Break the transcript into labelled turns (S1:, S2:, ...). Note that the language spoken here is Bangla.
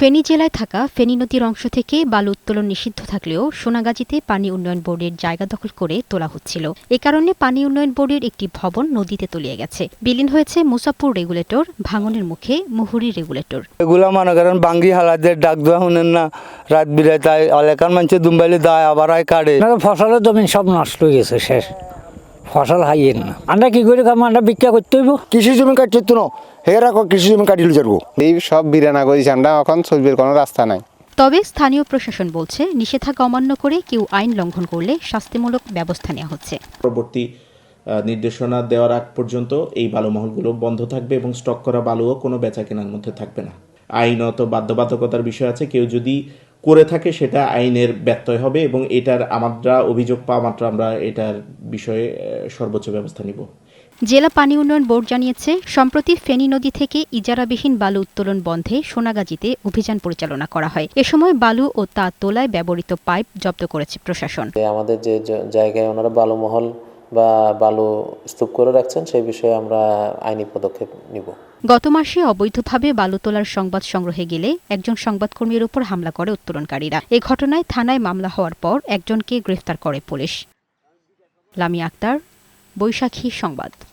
S1: ফেনী জেলায় থাকা ফেনী নদীর অংশ থেকে বালু উত্তোলন নিষিদ্ধ থাকলেও সোনাগাজীতে পানি উন্নয়ন বোর্ডের জায়গা দখল করে তোলা হচ্ছিল। এ কারণে পানি উন্নয়ন বোর্ডের একটি ভবন নদীতে তলিয়ে গেছে। বিলীন হয়েছে মুসাপুর রেগুলেটর, ভাঙনের মুখে মুহুরী রেগুলেটর।
S2: এগুলা মনে করেন বাঙ্গি হালাদের ডাক দেওয়া শুনেন না, রাত বিরায় তাই এলাকার মানুষের দুম্বাইলে দায় আবার আয় কাটে।
S3: ফসলের জমি সব নষ্ট হয়ে গেছে, শেষ ফসল হাইয়েন না। আমরা কি করে খাবো? আমরা ভিক্ষা করতে হইব।
S4: কৃষি জমি কাটছে তো না, হেরা কৃষি জমি কাটিল যাবো।
S5: এই সব বিরানা করেছি আমরা, এখন চলবির কোনো রাস্তা নাই।
S1: তবে স্থানীয় প্রশাসন বলছে, নিষেধাজ্ঞা অমান্য করে কেউ আইন লঙ্ঘন করলে শাস্তিমূলক ব্যবস্থা নেওয়া হচ্ছে।
S6: পরবর্তী নির্দেশনা দেওয়ার আগ পর্যন্ত এই বালুমহলগুলো বন্ধ থাকবে এবং স্টক করা বালুও কোনো বেচা কেনার মধ্যে থাকবে না। আইনত বাধ্যবাধকতার বিষয় আছে, কেউ যদি করে থাকে সেটা আইনের ব্যত্যয় হবে এবং এটার আমরা অভিযোগ পাওয়া মাত্র আমরা এটার বিষয়ে সর্বোচ্চ ব্যবস্থা নিব।
S1: জেলা পানি উন্নয়ন বোর্ড জানিয়েছে, সম্প্রতি ফেনী নদী থেকে ইজারাবিহীন বালু উত্তোলন বন্ধে সোনাগাজীতে অভিযান পরিচালনা করা হয়। এ সময় বালু ও তা তোলায় ব্যবহৃত পাইপ জব্দ করেছে প্রশাসন।
S7: আমাদের যে জায়গায় ওনারা বালুমহল বা বালু স্তূপ করে রাখছেন সেই বিষয়ে আমরা আইনি পদক্ষেপ নিব।
S1: গত মাসে অবৈধভাবে বালু তোলার সংবাদ সংগ্রহে গেলে একজন সংবাদকর্মীর উপর হামলা করে উত্তোলনকারীরা। এ ঘটনায় থানায় মামলা হওয়ার পর একজনকে গ্রেফতার করে পুলিশ। লামিয়া আক্তার, বৈশাখী সংবাদ।